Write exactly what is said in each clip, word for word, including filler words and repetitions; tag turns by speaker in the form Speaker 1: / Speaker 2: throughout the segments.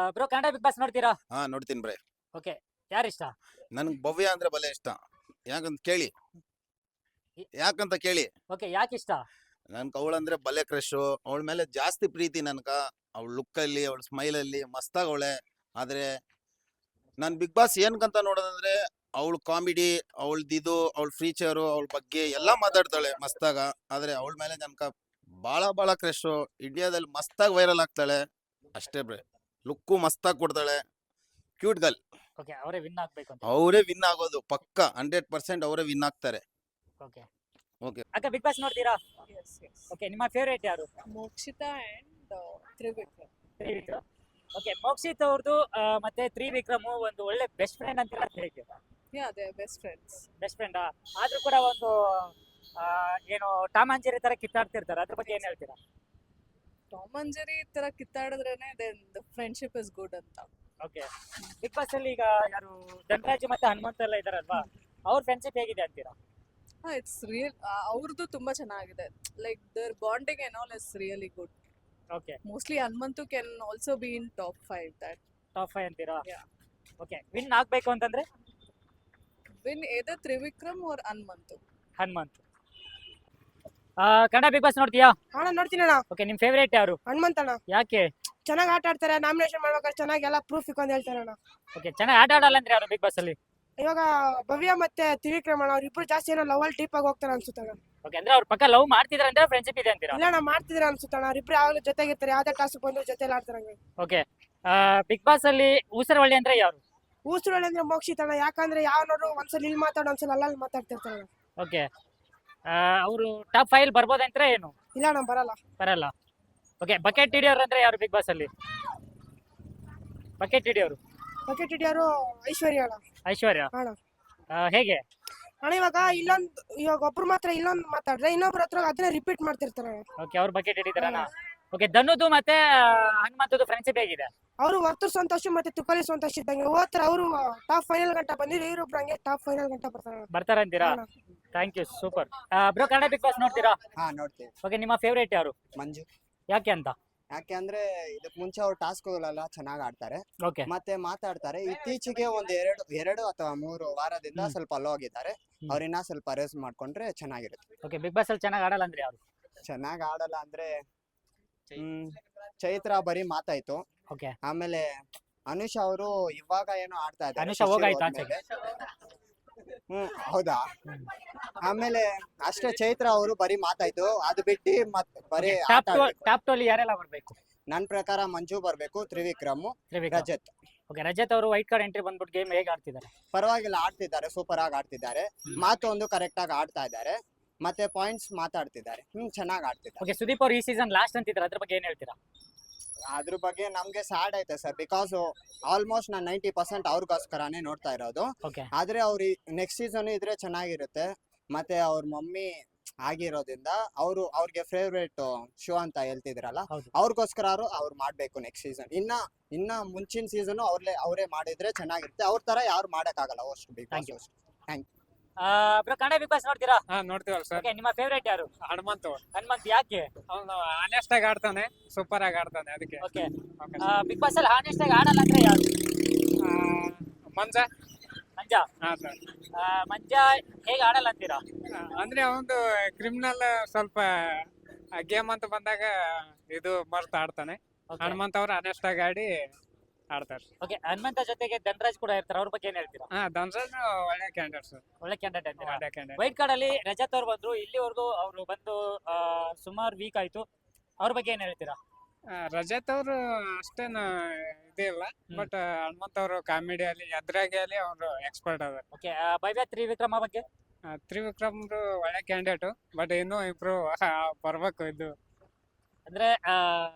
Speaker 1: Bro Kannada Bigg Boss ನೋಡ್ತೀರಾ?
Speaker 2: ಹಾ ನೋಡ್ತೀನಿ ಬ್ರೆ.
Speaker 1: ಓಕೆ, ಯಾರಿಷ್ಟ?
Speaker 2: ನನ್ಗೆ ಭವ್ಯ ಅಂದ್ರೆ ಬಲೆ ಇಷ್ಟ. ಯಾಕಂತ ಕೇಳಿ ಯಾಕಂತ ಕೇಳಿ
Speaker 1: ಓಕೆ, ಯಾಕೆ ಇಷ್ಟ?
Speaker 2: ನನ್ಗೆ ಅವಳಂದ್ರೆ ಬಲೆ ಕ್ರಶ್. ಅವಳ ಮೇಲೆ ಜಾಸ್ತಿ ಪ್ರೀತಿ ನನ್ಕ. ಅವಳ ಲುಕ್ ಅಲ್ಲಿ, ಅವಳ ಸ್ಮೈಲ್ ಅಲ್ಲಿ ಮಸ್ತಾಗ ಅವಳೆ. ಆದ್ರೆ ನಾನ್ ಬಿಗ್ ಬಾಸ್ ಏನ್ಕಂತ ನೋಡೋದಂದ್ರೆ ಅವಳ ಕಾಮಿಡಿ, ಅವಳದಿದು, ಅವಳ ಫೀಚರು, ಅವಳ ಬಗ್ಗೆ ಎಲ್ಲಾ ಮಾತಾಡ್ತಾಳೆ ಮಸ್ತಾಗ. ಆದ್ರೆ ಅವಳ ಮೇಲೆ ನನ್ಕ ಬಾಳ ಬಾಳ ಕ್ರಶ್. ಇಂಡಿಯಾದಲ್ಲಿ ಮಸ್ತಾಗಿ ವೈರಲ್ ಆಗ್ತಾಳೆ ಅಷ್ಟೇ ಬ್ರೆ. ಲುಕ್ಕು ಮಸ್ತಾಗಿ ಕೊಡ್ತಾಳೆ. Cute girl.
Speaker 1: ಓಕೆ, ಅವರೇ ವಿನ್ ಆಗ್ಬೇಕು ಅಂತ.
Speaker 2: ಅವರೇ ವಿನ್ ಆಗೋದು ಪಕ್ಕ. ಹಂಡ್ರೆಡ್ ಪರ್ಸೆಂಟ್ ಅವರೇ ವಿನ್ ಆಗ್ತಾರೆ.
Speaker 1: Okay
Speaker 2: okay.
Speaker 1: ಅಕ್ಕ, ಬಿಗ್ ಬಾಸ್ ನೋಡ್ತೀರಾ?
Speaker 3: Yes, yes.
Speaker 1: ಓಕೆ, ನಿಮ್ಮ ಫೇವರೇಟ್ ಯಾರು?
Speaker 3: Mokshita and uh, Trivikram.
Speaker 1: Trivikram. Okay, Mokshith ಅವ್ರದ್ದು ಮತ್ತೆ ತ್ರಿವಿಕ್ರಮ್ ಒಂದು ಒಳ್ಳೆ ಬೆಸ್ಟ್ ಫ್ರೆಂಡ್ ಅಂತೀರಾ? ಹೇಗೆ
Speaker 3: Yeah, they're best friends.
Speaker 1: Best friend ಆದ್ರೂ ಕೂಡ ಒಂದು ಆ, ಏನು ಟಾಮ್ ಅಂಡ್ ಜೆರ್ರಿ ತರ ಕಿತ್ತಾಡ್ತಿರ್ತಾರೆ, ಅದ್ರ ಬಗ್ಗೆ ಏನ್ ಹೇಳ್ತೀರಾ?
Speaker 3: Tom and Jerry ತರ ಕಿತ್ತಾಡಿದ್ರೇನೆ then the friendship is good ಅಂತ.
Speaker 1: ಓಕೆ, ಬಿಗ್ ಬಾಸ್ ಅಲ್ಲಿ ಈಗ ಯಾರು ಧನರಾಜ್ ಮತ್ತೆ ಹನುಮಂತ ಎಲ್ಲ ಇದಾರಲ್ವಾ, ಅವ್ರ ಫ್ರೆಂಡ್ಶಿಪ್ ಹೇಗಿದೆ ಅಂತೀರಾ?
Speaker 3: ಹಾ, ಇಟ್ಸ್ ರಿಯಲ್. ಅವ್ರದ್ದು ತುಂಬಾ ಚೆನ್ನಾಗಿದೆ. Like their bonding and all is really good.
Speaker 1: Okay,
Speaker 3: mostly Hanumanthu can also be in top five. That
Speaker 1: top five ಅಂತೀರಾ?
Speaker 3: Yeah.
Speaker 1: ಓಕೆ, ವಿನ್ ಆಗ್ಬೇಕು ಅಂತಂದ್ರೆ
Speaker 3: win either Trivikram or Hanumanthu.
Speaker 1: Hanumanth. ಆ, ಕನ್ನಡ ಬಿಗ್ ಬಾಸ್ ನೋಡ್ತೀಯಾ?
Speaker 4: ಅಣ್ಣ ನೋಡ್ತೀನಿ ಅಣ್ಣ.
Speaker 1: ಓಕೆ, ನಿಮ್ ಫೇವರೇಟ್ ಯಾರು?
Speaker 4: ಹನುಮಂತಣ್ಣ
Speaker 1: ಯಾಕೆ?
Speaker 4: ಚೆನ್ನಾಗಿ ಆಟ ಆಡ್ತಾರೆ. ನಾಮಿನೇಷನ್ ಮಾಡ್ಬೇಕಾದ್ರೆ ಚೆನ್ನಾಗಿ ಎಲ್ಲ ಪ್ರೂಫ್ ಇಕ್ಕೊಂಡ್ ಹೇಳ್ತಾರೆ ಅಣ್ಣ.
Speaker 1: ಓಕೆ, ಚೆನ್ನಾಗಿ ಆಟ ಆಡಲ್ಲ ಅಂದ್ರೆ ಯಾರು ಬಿಗ್ ಬಾಸ್ ಅಲ್ಲಿ?
Speaker 4: ಇವಾಗ ಭವ್ಯ ಮತ್ತೆ ತ್ರಿವಿಕ್ರಮ್ ಅಣ್ಣ ಅವ್ರಿಬ್ರು ಜಾಸ್ತಿ ಏನೋ ಲವಲ್ ಟೀಪ್ ಆಗಿ ಹೋಗ್ತಾರೆ ಅನ್ಸುತ್ತಣ್ಣ.
Speaker 1: ಓಕೆ, ಅಂದ್ರೆ ಅವ್ರ ಪಕ್ಕ ಲವ್ ಮಾಡ್ತಿದಾರೆ ಅಂದ್ರೆ ಫ್ರೆಂಡ್ಶಿಪ್ ಇದೆ ಅಂತೀರಾ?
Speaker 4: ಇಲ್ಲ ಅಣ್ಣ, ಮಾಡ್ತಿದ್ರೆ ಅನ್ಸುತ್ತಣ್ಣ. ಅವ್ರಿಬ್ರು ಯಾವಾಗಲೂ ಜೊತೆಗಿರ್ತಾರೆ. ಯಾವ್ದೇ ಟಾಸ್ಕ್ ಬಂದ್ರು ಜೊತೆಲಿ ಆಡ್ತಾರೆ ಹಂಗೆ.
Speaker 1: ಓಕೆ, ಬಿಗ್ ಬಾಸ್ ಅಲ್ಲಿ ಊಸರವಳ್ಳಿ ಅಂದ್ರೆ ಯಾರು?
Speaker 4: ಊಸುರೊಳ್ಳೆ ಅಂದ್ರೆ ಮೋಕ್ಷಿತಣ್ಣ. ಯಾಕಂದ್ರೆ ಯಾವ ನೋಡು ಒಂದ್ಸಲ ಇಲ್ಲಿ ಮಾತಾಡೋ ಒಂದ್ಸಲ ಅಲ್ಲಲ್ಲಿ ಮಾತಾಡ್ತಿರ್ತಾರೆ ಅಣ್ಣ.
Speaker 1: ಓಕೆ, ಅವರು ಟಾಪ್ ಫೈವ್ ಬರ್ಬೋದಂದ್ರೆ ಏನು?
Speaker 4: ಇಲ್ಲ ಅಣ್ಣ, ಬರಲ್ಲ.
Speaker 1: ಬರಲ್ಲ. ಓಕೆ, ಬಕೆಟ್ ಹಿಡಿಯೋರು ಅಂದ್ರೆ ಯಾರು ಬಿಗ್ ಬಾಸ್ ಅಲ್ಲಿ? ಬಕೆಟ್ ಹಿಡಿಯೋರು
Speaker 4: ಬಕೆಟ್ ಹಿಡಿಯೋರು ಐಶ್ವರ್ಯ ಅಣ್ಣ.
Speaker 1: ಐಶ್ವರ್ಯ.
Speaker 4: ಅಣ್ಣ
Speaker 1: ಆ, ಹೇಗೆ?
Speaker 4: ಅಣ್ಣ ಇವಾಗ ಇಲ್ಲೊಂದು ಇವಾಗ ಒಬ್ರು ಮಾತ್ರ ಇಲ್ಲೊಂದು ಮಾತಾಡ್ರೆ ಇನ್ನೊಬ್ರ ಹತ್ರ ಅದನ್ನ ರಿಪೀಟ್ ಮಾಡ್ತಿರ್ತಾರೆ ಅಣ್ಣ.
Speaker 1: ಓಕೆ, ಅವ್ರು ಬಕೆಟ್ ಹಿಡಿದಾರಣ. ಓಕೆ, ಧನುದು ಮತ್ತೆ ಹನುಮಂತದ್ದು ಫ್ರೆಂಡ್ಶಿಪ್ ಹೇಗಿದೆ?
Speaker 4: ಅವರು ವರ್ತೂರ್ ಸಂತೋಷ್ ಮತ್ತೆ ತುಕಲಿ ಸಂತೋಷ್ ಇದ್ದಂಗೆ ಹೋಗ್ತಾರೆ. ಅವರು ಟಾಪ್ ಫೈನಲ್ ಗಂಟ ಬಂದಿದ್ರು, ಇವರೊಬ್ರು ಹಂಗೆ ಟಾಪ್ ಫೈನಲ್ ಗಂಟ ಬರ್ತಾರೆ ಅಣ್ಣ.
Speaker 1: ಬರ್ತಾರಂತೀರಾ?
Speaker 4: ಅಣ್ಣ.
Speaker 1: Thank you, super. Bro, Kannada Bigg Boss ನೋಡ್ತೀರಾ?
Speaker 5: ಹಾ ನೋಡ್ತೀವಿ.
Speaker 1: ಓಕೆ, ನಿಮ್ಮ ಫೇವರೇಟ್ ಯಾರು?
Speaker 5: ಮಂಜು.
Speaker 1: ಯಾಕೆ ಅಂತ?
Speaker 5: ಯಾಕೆ ಅಂದ್ರೆ ಇದಕ್ ಮುಂಚೆ ಅವ್ರು ಟಾಸ್ಕ್ಗಳೆಲ್ಲ ಚೆನ್ನಾಗಿ ಆಡ್ತಾರೆ
Speaker 1: ಓಕೆ,
Speaker 5: ಮತ್ತೆ ಮಾತಾಡ್ತಾರೆ. ಇತ್ತೀಚೆಗೆ ಒಂದ್ ಎರಡು ಎರಡು ಅಥವಾ ಮೂರು ವಾರದಿಂದ
Speaker 1: ಹ್ಮ್.
Speaker 5: ಸ್ವಲ್ಪ ಲೋ ಆಗಿದ್ದಾರೆ.
Speaker 1: ಹ್ಮ್.
Speaker 5: ಅವ್ರಿನ್ನ ಸ್ವಲ್ಪ ರೇಸ್ ಮಾಡ್ಕೊಂಡ್ರೆ ಚೆನ್ನಾಗಿರುತ್ತೆ.
Speaker 1: ಓಕೆ, ಬಿಗ್ ಬಾಸ್ ಅಲ್ಲಿ ಚೆನ್ನಾಗಿ ಆಡಲ್ಲ ಅಂದ್ರೆ ಯಾರು?
Speaker 5: ಚೆನ್ನಾಗಿ ಆಡಲ್ಲ ಅಂದ್ರೆ ಹ್ಮ್ ಚೈತ್ರ ಬರೀ ಮಾತಾಯ್ತು.
Speaker 1: ಓಕೆ,
Speaker 5: ಆಮೇಲೆ ಅನುಷ್ ಅವರು ಇವಾಗ ಏನೋ ಆಡ್ತಾ ಇದ್ದಾರೆ.
Speaker 1: ಅನುಷಾ ಹೋಗಾಯ್ತು ಆಚೆಗೆ.
Speaker 5: ಹ್ಮ್ ಹೌದಾ. ಆಮೇಲೆ ಅಷ್ಟೇ, ಚೈತ್ರ ಅವರು ಬರೀ ಮಾತಾಯ್ತು. ಅದು ಬಿಟ್ಟು ಮತ್ ಬರೀ
Speaker 1: ಟಾಪ್
Speaker 5: ಆಟ
Speaker 1: ಟು
Speaker 5: ಆಡ್ಬೇಕು.
Speaker 1: ಟಾಪ್ ಟು ಅಲ್ಲಿ ಯಾರೆಲ್ಲ ಬರ್ಬೇಕು?
Speaker 5: ನನ್ ಪ್ರಕಾರ ಮಂಜು ಬರ್ಬೇಕು, ತ್ರಿವಿಕ್ರಮ್,
Speaker 1: ತ್ರಿವಿಕ್ರಮ್.
Speaker 5: ರಜತ್.
Speaker 1: ಓಕೆ, ರಜತ್ ಅವರು ವೈಟ್ ಕಾರ್ಡ್ ಎಂಟ್ರಿ ಬಂದ್ಬಿಟ್ಟು ಗೇಮ್ ಹೇಗೆ ಆಡ್ತಿದ್ದಾರೆ?
Speaker 5: ಪರವಾಗಿಲ್ಲ, ಆಡ್ತಿದ್ದಾರೆ, ಸೂಪರ್ ಆಗಿ ಆಡ್ತಿದ್ದಾರೆ. ಮಾತು ಒಂದು ಕರೆಕ್ಟ್ ಆಗಿ ಆಡ್ತಾ ಇದ್ದಾರೆ. ಮತ್ತೆ ಪಾಯಿಂಟ್ಸ್ ಮಾತಾಡ್ತಿದ್ದಾರೆ. ಹ್ಮ್ ಚೆನ್ನಾಗಿ ಆಡ್ತಿದ್ದಾರೆ.
Speaker 1: ಓಕೆ, ಸುದೀಪ್ ಅವರು ಈ ಸೀಸನ್ ಲಾಸ್ಟ್ ಅಂತಿದ್ದಾರೆ, ಅದ್ರ ಬಗ್ಗೆ ಏನ್ ಹೇಳ್ತೀರಾ?
Speaker 5: ಅದ್ರ ಬಗ್ಗೆ ನಮ್ಗೆ ಸ್ಯಾಡ್ ಐತೆ ಸರ್. ಬಿಕಾಸ್ ಆಲ್ಮೋಸ್ಟ್ ನಾನು ನೈಂಟಿ ಪರ್ಸೆಂಟ್ ಅವ್ರಿಗೋಸ್ಕರನೇ ನೋಡ್ತಾ ಇರೋದು.
Speaker 1: ಓಕೆ,
Speaker 5: ಆದ್ರೆ ಅವ್ರು ನೆಕ್ಸ್ಟ್ ಸೀಸನ್ ಇದ್ರೆ ಚೆನ್ನಾಗಿರುತ್ತೆ. ಮತ್ತೆ ಅವ್ರ ಮಮ್ಮಿ ಆಗಿರೋದ್ರಿಂದ ಅವರು ಅವ್ರಿಗೆ ಫೇವ್ರೇಟ್ ಶೋ ಅಂತ ಹೇಳ್ತಿದ್ರಲ್ಲ,
Speaker 1: ಹೌದು.
Speaker 5: ಅವ್ರಿಗೋಸ್ಕರ ಅವ್ರು ಮಾಡ್ಬೇಕು ನೆಕ್ಸ್ಟ್ ಸೀಸನ್. ಇನ್ನ ಇನ್ನ ಮುಂಚಿನ ಸೀಸನ್ ಅವ್ರೇ ಅವರೇ ಮಾಡಿದ್ರೆ ಚೆನ್ನಾಗಿರುತ್ತೆ. ಅವ್ರ ತರ ಯಾರು ಮಾಡಕ್ಕಾಗಲ್ಲ ಅಷ್ಟು Bigg
Speaker 1: Thank you.
Speaker 5: Boss.
Speaker 1: Bro, Kannada Bigg Boss ನೋಡ್ತೀರಾ?
Speaker 6: ಹಾ ನೋಡ್ತೀವಲ್ಲ ಸರ್.
Speaker 1: ಓಕೆ, ನಿಮ್ಮ ಫೇವರೇಟ್ ಯಾರು?
Speaker 6: ಹನುಮಂತು.
Speaker 1: ಹನುಮಂತ್. ಯಾಕೆ?
Speaker 6: ಅವನು ಆನೆಸ್ಟ್ ಆಗಿ ಆಡ್ತಾನೆ, ಸೂಪರ್ ಆಗಿ ಆಡ್ತಾನೆ, ಅದಕ್ಕೆ.
Speaker 1: Okay,
Speaker 6: Okay.
Speaker 1: ಬಿಗ್ ಬಾಸ್ ಅಲ್ಲಿ ಹಾನೆಸ್ಟ್ ಆಗಿ ಆಡಲ್ಲ ಅಂದ್ರೆ ಯಾರು?
Speaker 6: ಆ, ಮಂಜ.
Speaker 1: ಮಂಜ.
Speaker 6: ಹಾ ಸರ್.
Speaker 1: ಆ, ಮಂಜ ಹೇಗೆ ಆಡಲ್ಲ ಅಂತೀರಾ?
Speaker 6: ಅಂದ್ರೆ ಅವನು ಕ್ರಿಮಿನಲ್ ಸ್ವಲ್ಪ ಗೇಮ್ ಅಂತ ಬಂದಾಗ ಇದು ಮರ್ತ್ ಆಡ್ತಾನೆ.
Speaker 1: Okay.
Speaker 6: ಹನುಮಂತ ಅವ್ರು ಆನೆಸ್ಟ್ ಆಗಿ ಆಡಿ ಆಡ್ತಾರೆ.
Speaker 1: ಓಕೆ, ಹನುಮಂತ ಜೊತೆಗೆ ಧನರಾಜ್ ಕೂಡ ಇರ್ತಾರೆ, ಅವ್ರ ಬಗ್ಗೆ ಏನ್ ಹೇಳ್ತೀರಾ?
Speaker 6: ಹಾ ಧನ್ರಾಜ್ ಒಳ್ಳೆ ಕ್ಯಾಂಡಿಡೇಟ್ ಸರ್.
Speaker 1: ಒಳ್ಳೆ ಕ್ಯಾಂಡಿಡೇಟ್ ಅಂತೀರಾ?
Speaker 6: ಒಳ್ಳೆ ಕ್ಯಾಂಡಿಡೇಟ್.
Speaker 1: ವೈಟ್ ಕಾರ್ಡ್ ಅಲ್ಲಿ ರಜತ್ ಅವ್ರು ಬಂದ್ರು, ಇಲ್ಲಿವರೆಗೂ ಅವರು ಬಂದು ಸುಮಾರು ವೀಕ್ ಆಯ್ತು, ಅವ್ರ ಬಗ್ಗೆ ಏನ್ ಹೇಳ್ತೀರಾ?
Speaker 6: ರಜತ್ ಅವರು ಅಷ್ಟೇನು ಇದಿಲ್ಲ, ಬಟ್ ಹನುಮಂತ ಅವರು ಕಾಮಿಡಿಯಲ್ಲಿ ಎದ್ರಾಗಿ ಅವರು ಎಕ್ಸ್ಪರ್ಟ್ ಅದಾರೆ.
Speaker 1: ಓಕೆ, ಭವ್ಯ ತ್ರಿವಿಕ್ರಮ ಬಗ್ಗೆ?
Speaker 6: ತ್ರಿವಿಕ್ರಮ್ ಒಳ್ಳೆ ಕ್ಯಾಂಡಿಡೇಟ್, ಬಟ್ ಇನ್ನೂ ಇಂಪ್ರೂವ್ ಬರ್ಬೇಕು. ಇದು
Speaker 1: ಅಂದ್ರೆ ಆ,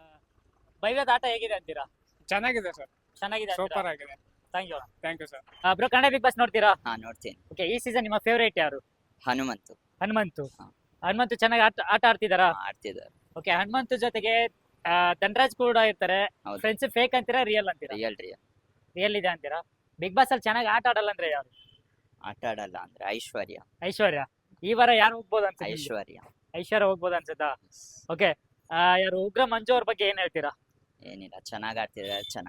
Speaker 1: ಭವ್ಯದ ಆಟ ಹೇಗಿದೆ ಅಂತೀರಾ?
Speaker 6: ಚೆನ್ನಾಗಿದೆ ಸರ್,
Speaker 1: ಚೆನ್ನಾಗಿದೆ.
Speaker 6: ಸೂಪರ್ ಆಗಿದೆ.
Speaker 1: Thank you.
Speaker 6: Thank you sir.
Speaker 1: Bro, Kannada Bigg Boss ನೋಡ್ತೀರಾ?
Speaker 7: ಹಾ ನೋಡ್ತೀನಿ.
Speaker 1: ಓಕೆ, ಈ ಸೀಸನ್ ನಿಮ್ಮ ಫೇವರೇಟ್ ಯಾರು?
Speaker 7: ಹನುಮಂತು.
Speaker 1: ಹನುಮಂತು.
Speaker 7: ಹಾ.
Speaker 1: ಹನುಮಂತು ಚೆನ್ನಾಗಿ ಆಟ ಆಟ ಆಡ್ತಿದಾರಾ?
Speaker 7: ಆಡ್ತಿದ್ದಾರೆ.
Speaker 1: ಓಕೆ, ಹನುಮಂತು ಜೊತೆಗೆ ಆ, ಧನರಾಜ್ ಕೂಡ ಇರ್ತಾರೆ.
Speaker 7: ಹೌದು.
Speaker 1: ಫ್ರೆಂಡ್ಶಿಪ್ ಫೇಕ್ ಅಂತೀರಾ, ರಿಯಲ್ ಅಂತೀರಾ?
Speaker 7: ರಿಯಲ್ ರಿಯಲ್
Speaker 1: ರಿಯಲ್ ಇದೆ ಅಂತೀರಾ? ಬಿಗ್ ಬಾಸ್ ಅಲ್ಲಿ ಚೆನ್ನಾಗಿ ಆಟ ಆಡಲ್ಲ ಅಂದ್ರೆ ಯಾರು?
Speaker 7: ಆಟ ಆಡಲ್ಲ ಅಂದ್ರೆ ಐಶ್ವರ್ಯ.
Speaker 1: ಐಶ್ವರ್ಯ. ಈ ವಾರ ಯಾರು ಹೋಗ್ಬೋದು ಅನ್ಸುತ್ತೆ?
Speaker 7: ಐಶ್ವರ್ಯ
Speaker 1: ಐಶ್ವರ್ಯ ಹೋಗ್ಬೋದು ಅನ್ಸುತ್ತಾ? ಓಕೆ, ಯಾರು ಉಗ್ರ ಮಂಜು ಅವ್ರ ಬಗ್ಗೆ ಏನ್ ಹೇಳ್ತೀರಾ?
Speaker 7: ಏನಿಲ್ಲ, ಚೆನ್ನಾಗ್ ಆಡ್ತಿದ್ದಾರೆ, ಚೆನ್ನಾಗ್ ಆಡ್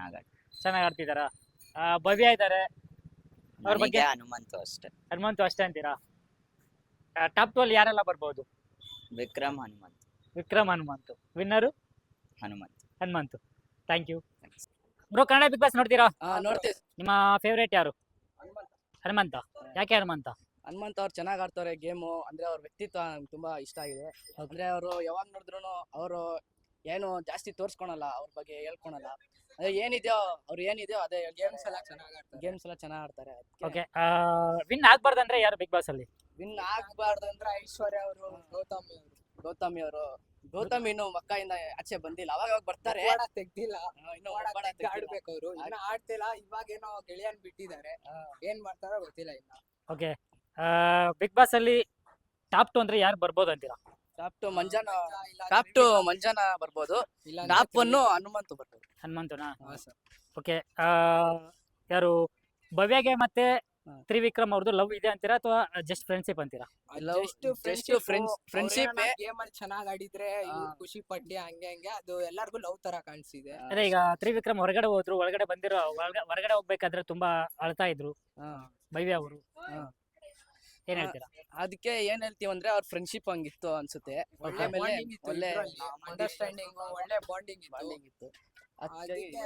Speaker 1: ಚೆನ್ನಾಗಿ ಆಡ್ತಿದಾರ. ಆ, ಭವ್ಯ ಇದ್ದಾರೆ, ಅವ್ರ ಬಗ್ಗೆ
Speaker 7: ನನಗೆ ಹನುಮಂತು ಅಷ್ಟೇ.
Speaker 1: ಹನುಮಂತು ಅಷ್ಟೇ ಅಂತೀರಾ? ಟಾಪ್ ಟು ಅಲ್ಲಿ ಯಾರೆಲ್ಲ ಬರ್ಬೋದು?
Speaker 7: Vikram Hanumanthu.
Speaker 1: Vikram Hanumanthu, winner
Speaker 7: Hanumanthu.
Speaker 1: Hanumanthu. Thank you bro. Kannada Bigg Boss ನೋಡ್ತೀರಾ?
Speaker 8: ನೋಡ್ತೀವಿ.
Speaker 1: ನಿಮ್ಮ ಫೇವ್ರೇಟ್ ಯಾರು? ಹನುಮಂತ. ಯಾಕೆ ಹನುಮಂತ?
Speaker 8: ಹನುಮಂತ್ ಅವ್ರು ಚೆನ್ನಾಗಿ ಆಡ್ತಾರೆ ಗೇಮು. ಅಂದ್ರೆ ಅವ್ರ ವ್ಯಕ್ತಿತ್ವ ನಂಗೆ ತುಂಬಾ ಇಷ್ಟ ಆಗಿದೆ. ಅಂದ್ರೆ ಅವರು ಯಾವಾಗ ನೋಡಿದ್ರು ಅವರು ಏನು ಜಾಸ್ತಿ ತೋರ್ಸ್ಕೊಳಲ್ಲ, ಅವ್ರ ಬಗ್ಗೆ ಹೇಳ್ಕೊಳಲ್ಲ. ಅದೇ ಏನಿದೆಯೋ ಅವ್ರು ಏನಿದೆಯೋ ಅದೇ ಗೇಮ್ಸ್ ಎಲ್ಲ ಚೆನ್ನಾಗಿ ಆಡ್ತಾರೆ. ಗೇಮ್ಸ್ ಎಲ್ಲ ಚೆನ್ನಾಗಿ ಆಡ್ತಾರೆ.
Speaker 1: ಓಕೆ, ವಿನ್ ಆಗ್ಬಾರ್ದಂದ್ರೆ ಯಾರು ಬಿಗ್ ಬಾಸ್ ಅಲ್ಲಿ?
Speaker 8: ವಿನ್ ಆಗ್ಬಾರ್ದು ಅಂದ್ರೆ ಐಶ್ವರ್ಯ ಅವರು, ಗೌತಮಿ ಅವರು. ಗೌತಮಿ ಅವರು ಗೌತಮಿ ಇನ್ನು ಮಕ್ಕಳಿಂದ ಆಚೆ ಬಂದಿಲ್ಲ, ಅವಾಗ ಅವಾಗ ಬರ್ತಾರೆ.
Speaker 9: ತೆಗ್ದಿಲ್ಲ,
Speaker 8: ಇನ್ನು
Speaker 9: ಆಡ್ಬೇಕು ಅವರು. ಇನ್ನ ಆಡ್ತಿಲ್ಲ, ಇವಾಗ ಏನೋ ಗೆಳೆಯನ್ ಬಿಟ್ಟಿದ್ದಾರೆ. ಏನ್ ಮಾಡ್ತಾರೋ ಗೊತ್ತಿಲ್ಲ ಇನ್ನ.
Speaker 1: ಓಕೆ, ಬಿಗ್ ಬಾಸ್ ಅಲ್ಲಿ ಟಾಪ್ ಟು ಅಂದ್ರೆ ಯಾರು ಬರ್ಬೋದು ಅಂತೀರಾ?
Speaker 8: ಟಾಪ್ ಟು ಮಂಜಾನ ಟಾಪ್ ಟು ಮಂಜಾನ ಬರ್ಬೋದು. ಟಾಪ್ ಒನ್ ಹನುಮಂತು ಬರ್ಬೋದು.
Speaker 1: ಹನುಮಂತನಾ?
Speaker 9: ಹಾ ಸರ್.
Speaker 1: ಓಕೆ, ಯಾರು ಭವ್ಯಗೆ ಮತ್ತೆ
Speaker 8: ಹಾ.
Speaker 1: ತ್ರಿವಿಕ್ರಮ್ ಅವ್ರದ್ದು ಲವ್ ಇದೆ ಅಂತೀರಾ ಅಥವಾ ಜಸ್ಟ್ ಫ್ರೆಂಡ್ಶಿಪ್ ಅಂತೀರಾ?
Speaker 8: Love, just friends- friendship ಏ.
Speaker 9: ಗೇಮ್ ಅಲ್ಲಿ ಚೆನ್ನಾಗ್ ಆಡಿದ್ರೆ ಇವ್ರು
Speaker 8: ಹಾ.
Speaker 9: ಖುಷಿ ಪಡ್ಲಿ ಹಂಗೆ ಹಂಗೆ ಅದು ಎಲ್ಲಾರ್ಗು ಲವ್ ತರ ಕಾಣಿಸಿದೆ.
Speaker 1: ಅದೇ ಈಗ ತ್ರಿವಿಕ್ರಮ್ ಹೊರಗಡೆ ಹೋದ್ರು, ಒಳಗಡೆ ಬಂದಿರೋ ಒಳಗ- ಹೊರಗಡೆ ಹೋಗ್ಬೇಕಾದ್ರೆ ತುಂಬಾ ಅಳ್ತಾ ಇದ್ರು
Speaker 8: ಹಾ.
Speaker 1: ಭವ್ಯ ಅವರು.
Speaker 8: ಹಾ.
Speaker 1: ಏನ್ ಹೇಳ್ತೀರಾ?
Speaker 8: ಅದಕ್ಕೆ ಏನ್ ಹೇಳ್ತೀವಿ ಅಂದ್ರೆ ಅವ್ರ ಫ್ರೆಂಡ್ಶಿಪ್ ಹಂಗಿತ್ತು ಅನ್ಸುತ್ತೆ.
Speaker 9: ಒಳ್ಳೆ
Speaker 8: ಆಮೇಲೆ
Speaker 9: ಬಾಂಡಿಂಗ್ ಇತ್ತು,
Speaker 8: ಒಳ್ಳೆ
Speaker 9: ಅಂಡರ್ಸ್ಟ್ಯಾಂಡಿಂಗ್, ಒಳ್ಳೆ ಬಾಂಡಿಂಗ್ ಇತ್ತು.
Speaker 8: ಬಾಂಡಿಂಗ್ ಇತ್ತು.
Speaker 9: ಅದಕ್ಕೆ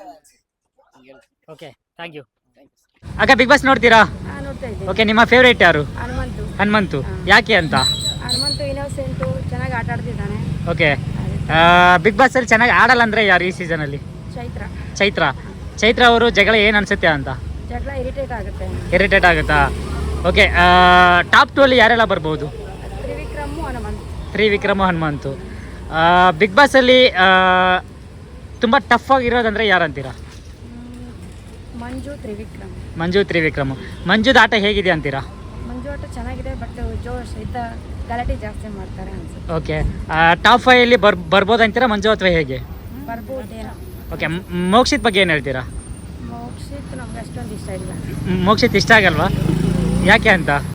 Speaker 1: okay, thank you.
Speaker 8: Thank you.
Speaker 1: ಅಕ್ಕ, ಬಿಗ್ ಬಾಸ್ ನೋಡ್ತೀರಾ?
Speaker 10: ನೋಡ್ತಾ ಇದ್ದೀನಿ.
Speaker 1: ಓಕೆ, ನಿಮ್ಮ ಫೇವ್ರೇಟ್ ಯಾರು?
Speaker 10: ಹನುಮಂತು.
Speaker 1: ಹನುಮಂತು. ಯಾಕೆ ಅಂತ?
Speaker 10: ಹನುಮಂತು ಇನ್ನೋಸೆಂಟು, ಚೆನ್ನಾಗಿ ಆಟ ಆಡ್ತಿದ್ದಾನೆ.
Speaker 1: ಓಕೆ, ಬಿಗ್ ಬಾಸ್ ಅಲ್ಲಿ ಚೆನ್ನಾಗಿ ಆಡಲ್ಲ ಅಂದ್ರೆ ಯಾರು ಈ ಸೀಸನ್ ಅಲ್ಲಿ?
Speaker 10: ಚೈತ್ರ.
Speaker 1: ಚೈತ್ರ. ಚೈತ್ರ ಅವರು ಜಗಳ ಏನ್ ಅನ್ಸುತ್ತೆ ಅಂತ?
Speaker 10: ಜಗಳ ಇರಿಟೇಟ್ ಆಗುತ್ತೆ.
Speaker 1: ಇರಿಟೇಟ್ ಆಗುತ್ತಾ? ಓಕೆ, ಟಾಪ್ ಟು ಅಲ್ಲಿ ಯಾರೆಲ್ಲ ಬರ್ಬೋದು?
Speaker 10: ತ್ರಿವಿಕ್ರಮು ಹನುಮಂತು.
Speaker 1: ತ್ರಿವಿಕ್ರಮ ಹನುಮಂತು. ಬಿಗ್ ಬಾಸ್ ಅಲ್ಲಿ ಆ, ತುಂಬಾ ಟಫ್ ಆಗಿರೋದಂದ್ರೆ ಯಾರಂತೀರಾ?
Speaker 10: ಮ್, ಮಂಜು ತ್ರಿವಿಕ್ರಮ್.
Speaker 1: ಮಂಜು ತ್ರಿವಿಕ್ರಮ್. ಮಂಜುದ ಆಟ ಹೇಗಿದೆ ಅಂತೀರಾ?
Speaker 10: ಮಂಜು ಆಟ ಚೆನ್ನಾಗಿದೆ, ಬಟ್ ಜೋಶ್ ಇದ್ದ ಗಲಾಟೆ ಜಾಸ್ತಿ ಮಾಡ್ತಾರೆ ಅನ್ಸುತ್ತೆ.
Speaker 1: ಓಕೆ, ಟಾಪ್ ಫೈವ್ ಅಲ್ಲಿ ಬರ್ ಬರ್ಬೋದು ಅಂತೀರಾ ಮಂಜು ಅಥವಾ ಹೇಗೆ?
Speaker 10: ಬರ್ಬೋದೇನೋ.
Speaker 1: ಓಕೆ, ಮೋಕ್ಷಿತ್ ಬಗ್ಗೆ ಏನು ಹೇಳ್ತೀರಾ?
Speaker 10: ಮೋಕ್ಷಿತ್ ನಮ್ಗೆ ಅಷ್ಟೊಂದು ಇಷ್ಟ ಇಲ್ಲ.
Speaker 1: ಮೋಕ್ಷಿತ್ ಇಷ್ಟ ಆಗಲ್ವಾ? ಯಾಕೆ ಅಂತ?